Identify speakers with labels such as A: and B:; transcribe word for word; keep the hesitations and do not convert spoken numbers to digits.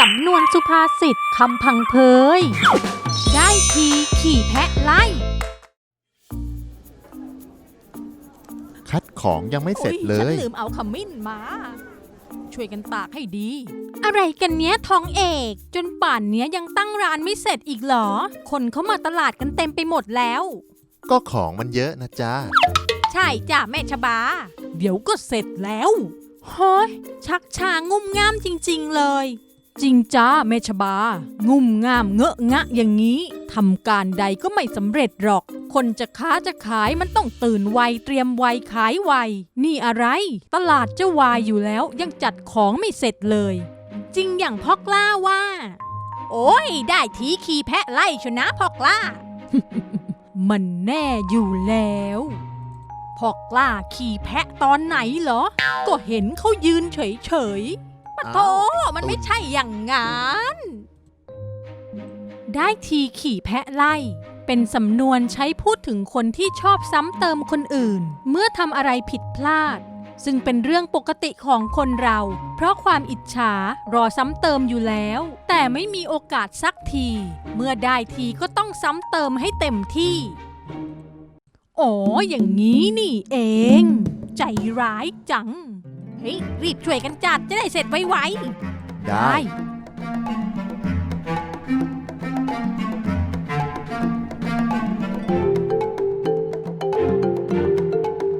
A: ำนวนสุภาษิตคำพังเพยได้ทีขี่แพะไล่
B: คัดของยังไม่เสร็จเล
A: ฉัน
B: ย
A: ลืมเอาขมิ้นมาช่วยกันตากให้ดี อะไรกันเนี้ยทองเอกจนป่านเนี้ยยังตั้งร้านไม่เสร็จอีกเหรอคนเขามาตลาดกันเต็มไปหมดแล้ว
B: ก็ของมันเยอะนะจ๊ะ
A: ใช่จ้ะแม่ชบาเดี๋ยวก็เสร็จแล้วเฮ้ยชักชางุ่มง่ามจริงๆเลยจริงจ้าแม่ชบางุ่มง่ามเงอะงะอย่างนี้ทำการใดก็ไม่สำเร็จหรอกคนจะค้าจะขายมันต้องตื่นไวเตรียมไวขายไวนี่อะไรตลาดจะวายอยู่แล้วยังจัดของไม่เสร็จเลยจริงอย่างพ่อกล้าว่าโอ้ยได้ทีขี่แพะไล่ชนะพ่อกล้า มันแน่อยู่แล้วพ่อกล้าขี่แพะตอนไหนเหรอก็เห็นเขายืนเฉยๆปะโถมันไม่ใช่อย่างงั้นได้ทีขี่แพะไล่เป็นสำนวนใช้พูดถึงคนที่ชอบซ้ำเติมคนอื่นเมื่อทำอะไรผิดพลาดซึ่งเป็นเรื่องปกติของคนเราเพราะความอิจฉารอซ้ำเติมอยู่แล้วแต่ไม่มีโอกาสสักทีเมื่อได้ทีก็ต้องซ้ำเติมให้เต็มที่อ๋ออย่างนี้นี่เองใจร้ายจังเฮ้ยรีบช่วยกันจัดจะได้เสร็จไวๆ
B: ได้